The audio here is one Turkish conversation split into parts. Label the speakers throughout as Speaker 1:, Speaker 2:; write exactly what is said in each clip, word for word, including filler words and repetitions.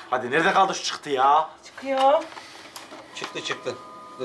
Speaker 1: Hadi nerede kaldı şu çıktı ya?
Speaker 2: Çıkıyor.
Speaker 3: Çıktı çıktı. Dur.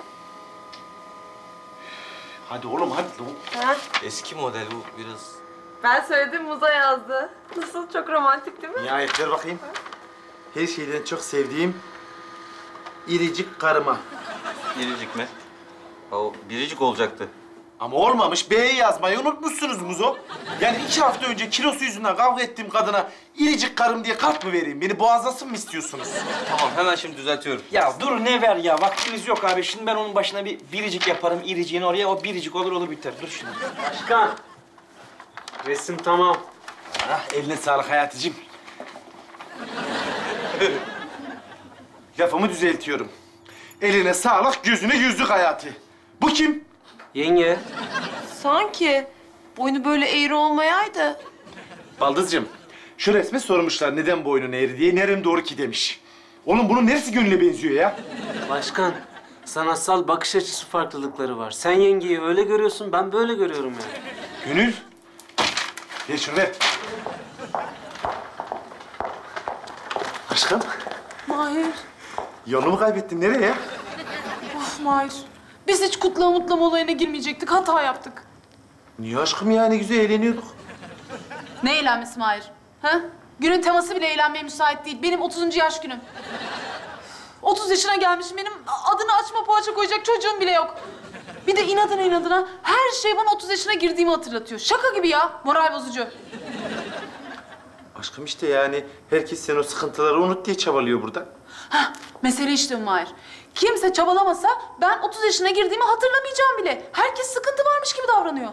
Speaker 1: Hadi oğlum hadi lan.
Speaker 2: Ha?
Speaker 3: Eski model bu biraz.
Speaker 2: Ben söyledim, Muza yazdı. Nasıl? Çok romantik değil mi?
Speaker 1: Nihayet ver bakayım. Her şeyden çok sevdiğim iricik karıma.
Speaker 3: Biricik mi? Ha, o biricik olacaktı.
Speaker 1: Ama olmamış. B'yi yazmayı unutmuşsunuz Muzo. Yani iki hafta önce kilosu yüzünden kavga ettiğim kadına iricik karım diye kart mı vereyim? Beni boğazlasın mı istiyorsunuz?
Speaker 3: Tamam hemen şimdi düzeltiyorum.
Speaker 4: Ya dur ne ver ya, vaktimiz yok abi. Şimdi ben onun başına bir biricik yaparım, iriciğini oraya, o biricik olur olur biter. Dur şimdi.
Speaker 5: Başkan. Resim tamam.
Speaker 1: Ah, eline sağlık Hayatıcığım. Lafımı düzeltiyorum. Eline sağlık, gözüne yüzlük Hayati. Bu kim?
Speaker 5: Yenge.
Speaker 2: Sanki boynu böyle eğri olmayaydı.
Speaker 1: Baldızcığım, şu resme sormuşlar neden boynun eğri diye, nerem doğru ki demiş. Oğlum bunun neresi gönüle benziyor ya?
Speaker 5: Başkan. Sanatsal bakış açısı farklılıkları var. Sen yengeyi öyle görüyorsun, ben böyle görüyorum yani.
Speaker 1: Gönül, ver şunu ver. Aşkım,
Speaker 6: Mahir,
Speaker 1: yolumu kaybettin. Nereye?
Speaker 6: of Mahir. Biz hiç kutlama mutlama olayına girmeyecektik, hata yaptık.
Speaker 1: Niye aşkım ya? Ne güzel eğleniyorduk.
Speaker 6: Ne eğlenmesi Mahir? Ha? Günün teması bile eğlenmeye müsait değil. Benim otuzuncu yaş günüm. otuz yaşına gelmişim, benim adını açma poğaça koyacak çocuğum bile yok. Bir de inadına inadına her şey bana otuz yaşına girdiğimi hatırlatıyor. Şaka gibi ya, moral bozucu.
Speaker 1: Aşkım işte yani herkes sen o sıkıntıları unut diye çabalıyor burada.
Speaker 6: Hah, mesele işte Mahir. Kimse çabalamasa ben otuz yaşına girdiğimi hatırlamayacağım bile. Herkes sıkıntı varmış gibi davranıyor.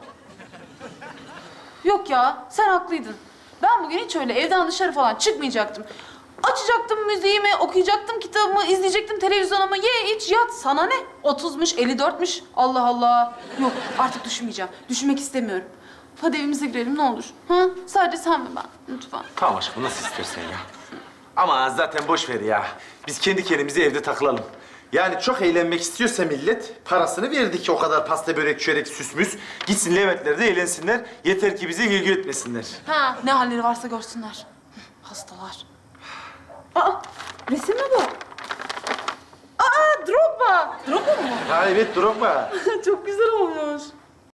Speaker 6: Yok ya, sen haklıydın. Ben bugün hiç öyle evden dışarı falan çıkmayacaktım. Açacaktım müziğimi, okuyacaktım kitabımı, izleyecektim televizyonumu. Ye, iç, yat. Sana ne? otuzmuş, elli dörtmüş. Allah Allah. Yok, artık düşünmeyeceğim. Düşünmek istemiyorum. Hadi evimize girelim ne olur. Ha? Sadece sen ve ben. Lütfen.
Speaker 1: Tamam aşkım, nasıl istersen ya. Ama zaten boş ver ya. Biz kendi kendimize evde takılalım. Yani çok eğlenmek istiyorsa millet, parasını verdik o kadar pasta, börek, çörek, süsmüs. Gitsin Leventler'de eğlensinler. Yeter ki bize ilgi etmesinler.
Speaker 6: Ha, ne halleri varsa görsünler. Hastalar. Aa, resim mi bu? Aa, Drogba. Drogba mı?
Speaker 1: Ha evet, Drogba.
Speaker 6: Çok güzel olmuş.